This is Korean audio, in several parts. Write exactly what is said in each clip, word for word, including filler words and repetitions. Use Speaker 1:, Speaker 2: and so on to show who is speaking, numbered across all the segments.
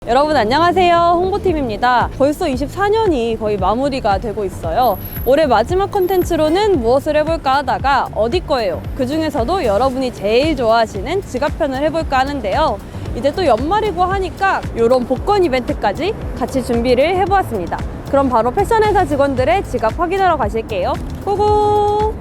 Speaker 1: 여러분 안녕하세요, 홍보팀입니다. 벌써 이십사 년이 거의 마무리가 되고 있어요. 올해 마지막 컨텐츠로는 무엇을 해볼까 하다가 어디 거예요? 그 중에서도 여러분이 제일 좋아하시는 지갑편을 해볼까 하는데요. 이제 또 연말이고 하니까 이런 복권 이벤트까지 같이 준비를 해보았습니다. 그럼 바로 패션회사 직원들의 지갑 확인하러 가실게요. 고고!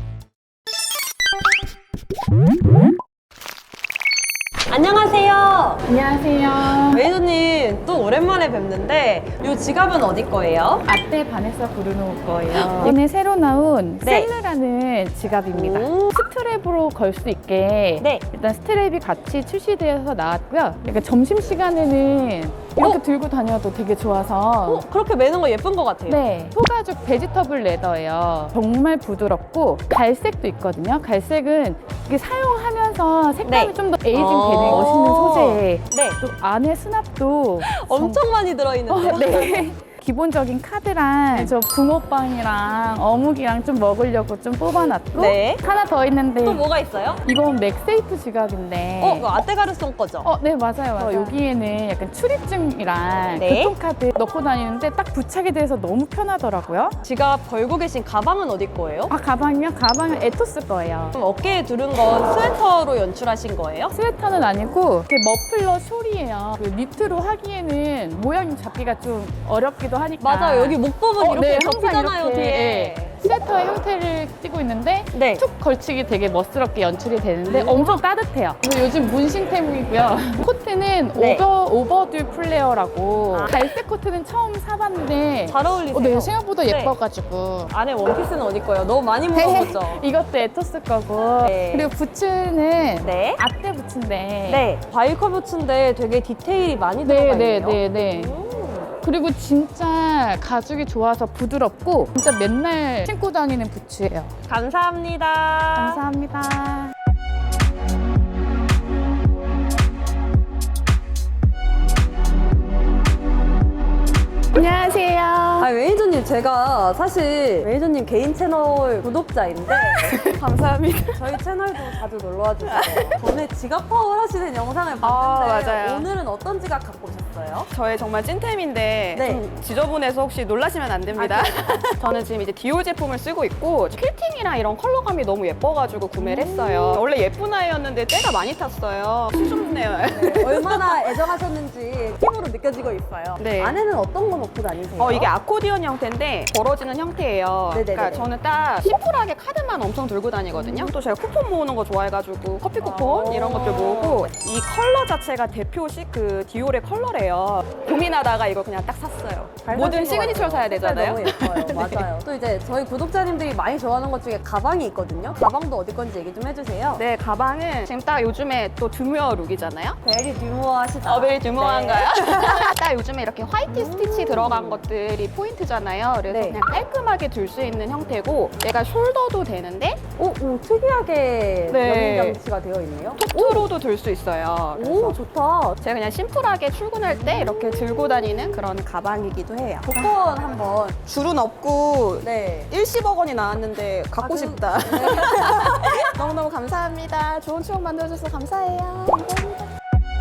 Speaker 1: 안녕하세요.
Speaker 2: 안녕하세요.
Speaker 1: 매니저님 또 오랜만에 뵙는데 이 지갑은 어디 거예요?
Speaker 2: 아떼 바네사 브루노 거예요. 이번에 새로 나온
Speaker 1: 네.
Speaker 2: 셀르라는 지갑입니다.
Speaker 1: 오.
Speaker 2: 스트랩으로 걸 수 있게
Speaker 1: 네.
Speaker 2: 일단 스트랩이 같이 출시되어서 나왔고요. 약간 점심시간에는 이렇게
Speaker 1: 어?
Speaker 2: 들고 다녀도 되게 좋아서
Speaker 1: 어, 그렇게 매는 거 예쁜 것 같아요.
Speaker 2: 네, 소가죽 베지터블 레더예요. 정말 부드럽고 갈색도 있거든요. 갈색은 이게 사용하면서 색감이
Speaker 1: 네.
Speaker 2: 좀 더 에이징
Speaker 1: 어.
Speaker 2: 되는 멋있는 소재에
Speaker 1: 네.
Speaker 2: 또 안에 수납도
Speaker 1: 엄청 많이 들어있는데요?
Speaker 2: 어, 네. 기본적인 카드랑 저 붕어빵이랑 어묵이랑 좀 먹으려고 좀 뽑아놨고
Speaker 1: 네.
Speaker 2: 하나 더 있는데
Speaker 1: 또 뭐가 있어요?
Speaker 2: 이건 맥세이프 지갑인데
Speaker 1: 어, 그거 아떼가르송 거죠?
Speaker 2: 어, 네, 맞아요, 맞아요. 여기에는 약간 출입증이랑
Speaker 1: 네.
Speaker 2: 교통카드 넣고 다니는데 딱 부착이 돼서 너무 편하더라고요.
Speaker 1: 지갑 걸고 계신 가방은 어디 거예요?
Speaker 2: 아, 가방이요? 가방은 에토스 거예요.
Speaker 1: 그럼 어깨에 두른 건 스웨터로 연출하신 거예요?
Speaker 2: 스웨터는 아니고 이렇게 머플러 숄이에요. 그 니트로 하기에는 모양 잡기가 좀 어렵기도 하니까.
Speaker 1: 맞아요. 여기 목 부분
Speaker 2: 어,
Speaker 1: 이렇게
Speaker 2: 네,
Speaker 1: 접히잖아요,
Speaker 2: 항상 이렇게,
Speaker 1: 뒤에.
Speaker 2: 네. 스웨터의 형태를 띠고 있는데
Speaker 1: 네.
Speaker 2: 툭 걸치기 되게 멋스럽게 연출이 되는데
Speaker 1: 음.
Speaker 2: 엄청 따뜻해요. 그리고 요즘 문신템이고요. 코트는
Speaker 1: 네.
Speaker 2: 오버, 오버듀 플레어라고
Speaker 1: 아.
Speaker 2: 갈색 코트는 처음 사봤는데
Speaker 1: 잘 어울리세요.
Speaker 2: 어, 네, 생각보다
Speaker 1: 네.
Speaker 2: 예뻐가지고
Speaker 1: 안에 원피스는 어디 거예요? 너무 많이 물어보죠?
Speaker 2: 이것도 에토스 거고
Speaker 1: 네.
Speaker 2: 그리고 부츠는
Speaker 1: 네.
Speaker 2: 아떼 부츠인데
Speaker 1: 네. 바이커 부츠인데 되게 디테일이 많이 들어가
Speaker 2: 네,
Speaker 1: 있네요.
Speaker 2: 네, 네, 네.
Speaker 1: 음.
Speaker 2: 그리고 진짜 가죽이 좋아서 부드럽고 진짜 맨날 신고 다니는 부츠예요.
Speaker 1: 감사합니다.
Speaker 2: 감사합니다. 안녕하세요.
Speaker 1: 아, 매니저님, 제가 사실 매니저님 개인 채널 구독자인데
Speaker 2: 감사합니다.
Speaker 1: 저희 채널도 자주 놀러와 주세요. 전에 지갑 파워 하시는 영상을 봤는데
Speaker 3: 아, 맞아요.
Speaker 1: 오늘은 어떤 지갑 갖고 오셨어요?
Speaker 3: 저의 정말 찐템인데
Speaker 1: 네.
Speaker 3: 좀 지저분해서 혹시 놀라시면 안 됩니다. 저는 지금 이제 디올 제품을 쓰고 있고 퀼팅이랑 이런 컬러감이 너무 예뻐가지고 구매를 했어요. 원래 예쁜 아이였는데 때가 많이 탔어요. 수줍네요.
Speaker 1: 네, 얼마나 애정하셨는지 피부로 느껴지고 있어요.
Speaker 3: 네.
Speaker 1: 안에는 어떤 거 넣고 다니세요?
Speaker 3: 어, 이게 아코디언 형태인데 벌어지는 형태예요.
Speaker 1: 네네네네.
Speaker 3: 그러니까 저는 딱 심플하게 카드만 엄청 들고 다니거든요. 또 제가 쿠폰 모으는 거 좋아해가지고 커피 쿠폰
Speaker 1: 아.
Speaker 3: 이런 것들 모으고 이 컬러 자체가 대표식 그 디올의 컬러래요. 고민하다가 이걸 그냥 딱 샀어요.
Speaker 1: 잘
Speaker 3: 모든
Speaker 1: 사신 것
Speaker 3: 시그니처를 사야
Speaker 1: 같아요.
Speaker 3: 되잖아요.
Speaker 1: 너무 예뻐요. 맞아요. 또 이제 저희 구독자님들이 많이 좋아하는 것 중에 가방이 있거든요. 가방도 어디 건지 얘기 좀 해주세요.
Speaker 3: 네, 가방은 지금 딱 요즘에 또 드뮤어 룩이잖아요.
Speaker 1: 베리 듀모하시죠?
Speaker 3: 어, 베리 드뮤어한가요?
Speaker 1: 네.
Speaker 3: 딱 요즘에 이렇게 화이트 스티치 들어간 것들이 포인트잖아요. 그래서
Speaker 1: 네.
Speaker 3: 그냥 깔끔하게 들 수 있는 형태고 얘가 숄더도 되는데
Speaker 1: 오, 오 특이하게
Speaker 3: 네.
Speaker 1: 연임 장치가 되어 있네요.
Speaker 3: 톡트로도 들 수 있어요. 그래서
Speaker 1: 오, 좋다.
Speaker 3: 제가 그냥 심플하게 출근할 때 이렇게 들고 다니는 그런 가방이기도 해요.
Speaker 1: 복권 한번.
Speaker 3: 줄은 없고
Speaker 1: 네.
Speaker 3: 일십억 원이 나왔는데 갖고
Speaker 1: 아, 그-
Speaker 3: 싶다. 너무너무 감사합니다. 좋은 추억 만들어줘서 감사해요. 감사합니다.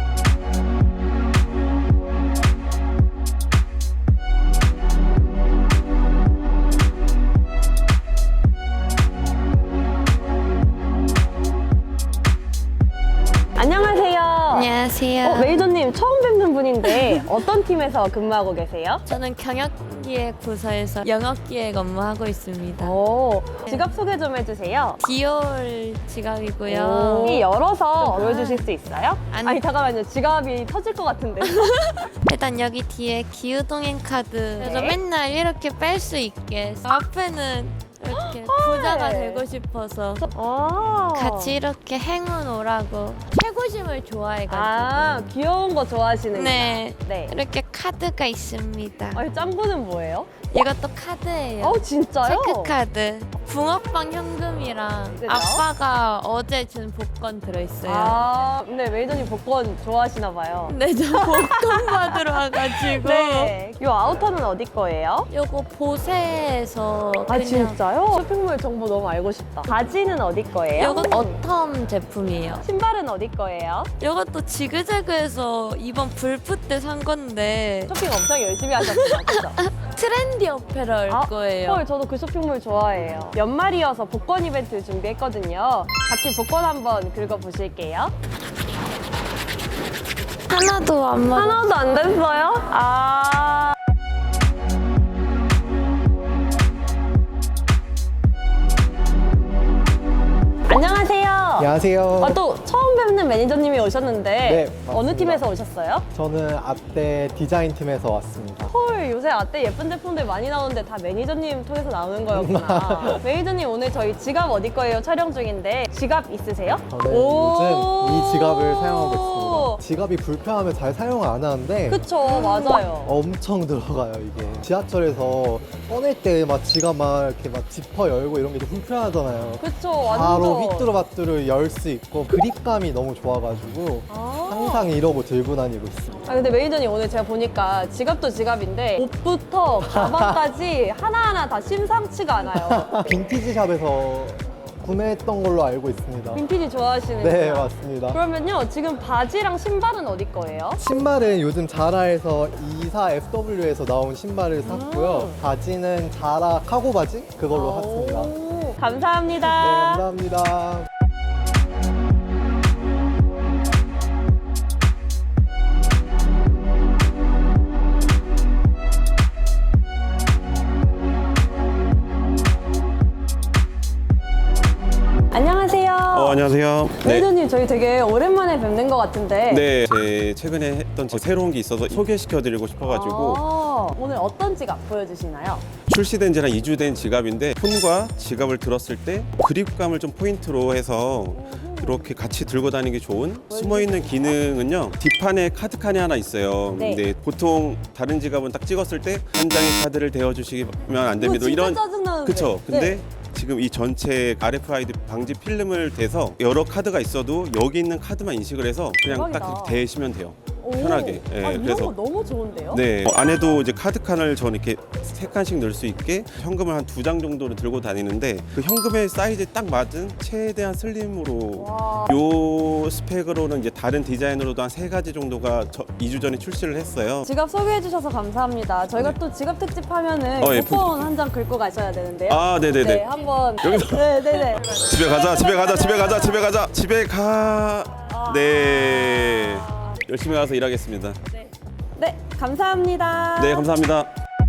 Speaker 1: 안녕하세요.
Speaker 4: 안녕하세요.
Speaker 1: 어, 메이저님 처음 뵙는 분인데 어떤 팀에서 근무하고 계세요?
Speaker 4: 저는 경영기획 부서에서 영업기획 업무하고 있습니다.
Speaker 1: 오, 지갑 소개 좀 해주세요.
Speaker 4: 디올 지갑이고요.
Speaker 1: 이 열어서 보여주실 수 있어요?
Speaker 4: 아니.
Speaker 1: 아니 잠깐만요. 지갑이 터질 것 같은데.
Speaker 4: 일단 여기 뒤에 기후동행 카드. 그래서
Speaker 1: 네.
Speaker 4: 맨날 이렇게 뺄 수 있게. 앞에는 이렇게 부자가 되고 싶어서
Speaker 1: 아,
Speaker 4: 같이 이렇게 행운 오라고 최고심을 좋아해가지고.
Speaker 1: 아, 귀여운 거 좋아하시는
Speaker 4: 네.
Speaker 1: 네.
Speaker 4: 이렇게 카드가 있습니다.
Speaker 1: 아니, 짱구는 뭐예요?
Speaker 4: 이것도 카드예요.
Speaker 1: 어, 진짜요?
Speaker 4: 체크 카드. 붕어빵 현금이랑
Speaker 1: 네,
Speaker 4: 아빠가 어제 준 복권 들어있어요.
Speaker 1: 아, 근데 매니저님 복권 좋아하시나 봐요.
Speaker 4: 네, 저 복권 받으러 와가지고.
Speaker 1: 네. 이 아우터는 어디 거예요?
Speaker 4: 요거 보세에서
Speaker 1: 아
Speaker 4: 그냥
Speaker 1: 진짜요? 쇼핑몰 정보 너무 알고 싶다. 바지는 어디 거예요?
Speaker 4: 요건 어텀 제품이에요.
Speaker 1: 신발은 어디 거예요?
Speaker 4: 요것도 지그재그에서 이번 불프 때 산 건데
Speaker 1: 쇼핑 엄청 열심히 하셨구나, 그죠?
Speaker 4: 트렌디 어페럴
Speaker 1: 아,
Speaker 4: 거예요.
Speaker 1: 헐, 저도 그 쇼핑몰 좋아해요. 연말이어서 복권 이벤트 준비했거든요. 같이 복권 한번 긁어보실게요.
Speaker 4: 하나도 안 맞아.
Speaker 1: 하나도 안 됐어요? 아. 안녕하세요.
Speaker 5: 안녕하세요.
Speaker 1: 아, 또 처음 뵙는 매니저님이 오셨는데
Speaker 5: 네,
Speaker 1: 어느
Speaker 5: 맞습니다.
Speaker 1: 팀에서 오셨어요?
Speaker 5: 저는 아떼 디자인 팀에서 왔습니다.
Speaker 1: 헐, 요새 아떼 예쁜 제품들 많이 나오는데 다 매니저님 통해서 나오는 거였구나. 매니저님 오늘 저희 지갑 어디 거예요 촬영 중인데 지갑 있으세요?
Speaker 5: 저는
Speaker 1: 오.
Speaker 5: 요즘 이 지갑을 사용하고 있습니다. 지갑이 불편하면 잘 사용을 안 하는데
Speaker 1: 그쵸, 맞아요.
Speaker 5: 엄청 들어가요 이게. 지하철에서 꺼낼 때 막 지갑 막 이렇게 막 지퍼 열고 이런 게 좀 불편하잖아요.
Speaker 1: 그쵸,
Speaker 5: 바로
Speaker 1: 완전.
Speaker 5: 휘뚜루마뚜루 열 수 있고 그립감이 너무 좋아가지고
Speaker 1: 아.
Speaker 5: 항상 이러고 들고 다니고 있습니다.
Speaker 1: 아, 근데 매니저님 오늘 제가 보니까 지갑도 지갑인데 옷부터 가방까지 하나하나 다 심상치가 않아요.
Speaker 5: 빈티지 샵에서 구매했던 걸로 알고 있습니다.
Speaker 1: 빈티지 좋아하시는구나.
Speaker 5: 네, 맞습니다.
Speaker 1: 그러면요, 지금 바지랑 신발은 어디 거예요?
Speaker 5: 신발은 요즘 자라에서 이사 에프더블유에서 나온 신발을 샀고요.
Speaker 1: 음.
Speaker 5: 바지는 자라 카고 바지 그걸로 샀습니다. 네,
Speaker 1: 오, 감사합니다.
Speaker 5: 감사합니다.
Speaker 1: 안녕하세요.
Speaker 6: 어, 안녕하세요. 네.
Speaker 1: 매니저님, 저희 되게 오랜만에 뵙는 것 같은데.
Speaker 6: 네, 제 최근에 했던 제 새로운 게 있어서 소개시켜드리고 싶어가지고
Speaker 1: 아, 오늘 어떤 지갑 보여주시나요?
Speaker 6: 출시된 지한 이 주 된 지갑인데 폰과 지갑을 들었을 때 그립감을 좀 포인트로 해서 이렇게 같이 들고 다니기 좋은 숨어있는 기능은요, 뒷판에 카드칸이 하나 있어요.
Speaker 1: 네.
Speaker 6: 근데 보통 다른 지갑은 딱 찍었을 때 한 장의 카드를 대어주시면 안 됩니다.
Speaker 1: 이거 진짜 짜증나는데.
Speaker 6: 그쵸. 근데
Speaker 1: 네.
Speaker 6: 지금 이 전체 알에프아이디 방지 필름을 대서 여러 카드가 있어도 여기 있는 카드만 인식을 해서 그냥
Speaker 1: 대박이다.
Speaker 6: 딱 대시면 돼요.
Speaker 1: 오.
Speaker 6: 편하게. 예,
Speaker 1: 아, 이런
Speaker 6: 그래서-
Speaker 1: 거 너무 좋은데요?
Speaker 6: 네, 어, 안에도 이제 카드 칸을 저는 이렇게 세 칸씩 넣을 수 있게 현금을 한 두 장 정도를 들고 다니는데 그 현금의 사이즈에 딱 맞은 최대한 슬림으로
Speaker 1: 와.
Speaker 6: 요 스펙으로는 이제 다른 디자인으로도 한 세 가지 정도가 저, 이 주 전에 출시를 했어요.
Speaker 1: 지갑 소개해 주셔서 감사합니다. 저희가 또 지갑 특집 하면은
Speaker 6: 어, 예,
Speaker 1: 쿠폰 한 장 긁고 가셔야 되는데요.
Speaker 6: 아, 네네네.
Speaker 1: 네, 한번.
Speaker 6: 여기서?
Speaker 1: 네네네.
Speaker 6: 집에 가자, 집에 가자, 집에 가자, 집에 가자, 집에 가. 네, 열심히 가서 일하겠습니다.
Speaker 1: 네, 감사합니다.
Speaker 6: 네, 감사합니다.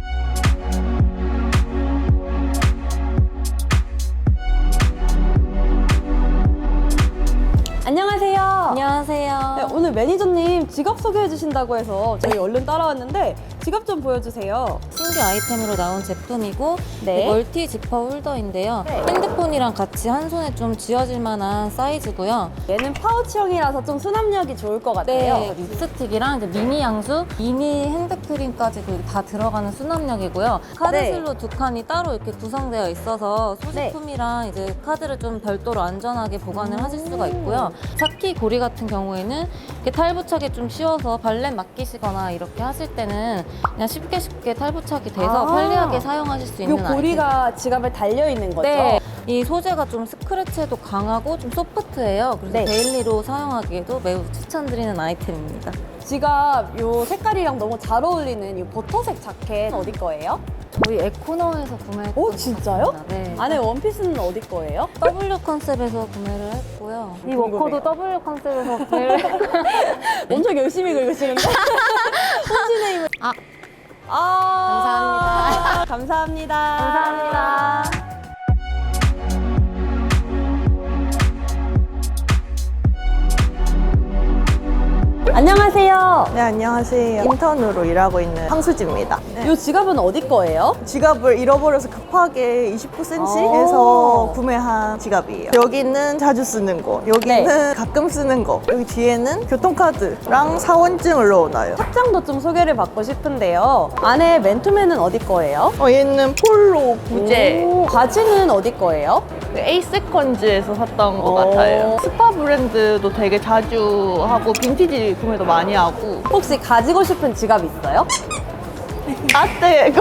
Speaker 1: 안녕하세요.
Speaker 4: 안녕하세요.
Speaker 1: 네, 오늘 매니저님 지갑 소개해 주신다고 해서 저희 얼른 따라왔는데 지갑 좀 보여주세요.
Speaker 7: 신규 아이템으로 나온 제품이고
Speaker 1: 네.
Speaker 7: 멀티 지퍼 홀더인데요.
Speaker 1: 네.
Speaker 7: 핸드폰이랑 같이 한 손에 좀 쥐어질 만한 사이즈고요.
Speaker 1: 얘는 파우치형이라서 좀 수납력이 좋을 것 같아요.
Speaker 7: 네, 립스틱이랑 이제 미니 향수, 미니 핸드크림까지 그 다 들어가는 수납력이고요. 카드
Speaker 1: 네.
Speaker 7: 슬롯 두 칸이 따로 이렇게 구성되어 있어서 소지품이랑 이제 카드를 좀 별도로 안전하게 보관을
Speaker 1: 음.
Speaker 7: 하실 수가 있고요. 차키 고리 같은 경우에는 이렇게 탈부착이 좀 쉬워서 발렛 맡기시거나 이렇게 하실 때는 그냥 쉽게 쉽게 탈부착이 돼서
Speaker 1: 아.
Speaker 7: 편리하게 사용하실 수
Speaker 1: 이
Speaker 7: 있는 아이템.
Speaker 1: 고리가 지갑에 달려 있는 거죠?
Speaker 7: 네, 이 소재가 좀 스크래치에도 강하고 좀 소프트해요. 그래서
Speaker 1: 네.
Speaker 7: 데일리로 사용하기에도 매우 추천드리는 아이템입니다.
Speaker 1: 지갑 요 색깔이랑 너무 잘 어울리는 이 버터색 자켓 어디 거예요?
Speaker 7: 저희 에코너에서 구매했던
Speaker 1: 오, 진짜요?
Speaker 7: 제품입니다. 네.
Speaker 1: 안에 원피스는 어디 거예요?
Speaker 7: W 컨셉에서 구매를 했고요. 이
Speaker 1: 궁금해요.
Speaker 7: 워커도 W 컨셉에서 구매를 했고요.
Speaker 1: 엄청 열심히 긁으시는데? 손진의 힘을.
Speaker 7: 아.
Speaker 1: 아. 감사합니다.
Speaker 7: 감사합니다.
Speaker 1: 안녕하세요.
Speaker 8: 네, 안녕하세요. 인턴으로 일하고 있는 황수지입니다. 네.
Speaker 1: 이 지갑은 어디 거예요?
Speaker 8: 지갑을 잃어버려서 급하게 이십구 센티미터에서
Speaker 1: 오.
Speaker 8: 구매한 지갑이에요. 여기는 자주 쓰는 거, 여기는
Speaker 1: 네.
Speaker 8: 가끔 쓰는 거, 여기 뒤에는 교통카드랑 사원증을 넣어놔요.
Speaker 1: 착장도 좀 소개를 받고 싶은데요. 안에 맨투맨은 어디 거예요?
Speaker 8: 어, 얘는 폴로 부제.
Speaker 1: 오, 바지는 어디 거예요?
Speaker 8: 에이세컨즈에서 샀던 것
Speaker 1: 오.
Speaker 8: 같아요. 스파 브랜드도 되게 자주 하고 빈티지 구매도 많이 하고.
Speaker 1: 혹시 가지고 싶은 지갑 있어요?
Speaker 8: 아떼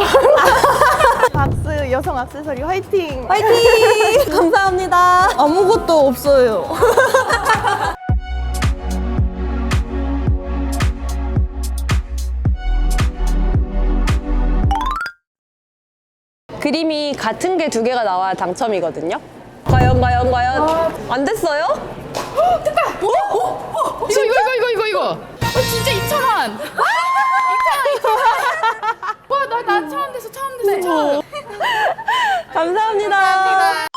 Speaker 8: 박스 여성 액세서리 화이팅!
Speaker 1: 파이팅! 감사합니다.
Speaker 8: 아무것도 없어요.
Speaker 1: 그림이 같은 게 두 개가 나와야 당첨이거든요. 과연 과연 과연 안 됐어요?
Speaker 2: 이거 이거 이거 이거 이거 이거. 어, 진짜 이천 원. 이천 원. 와, 나 나 처음 됐어 처음 됐어 처음.
Speaker 1: 감사합니다.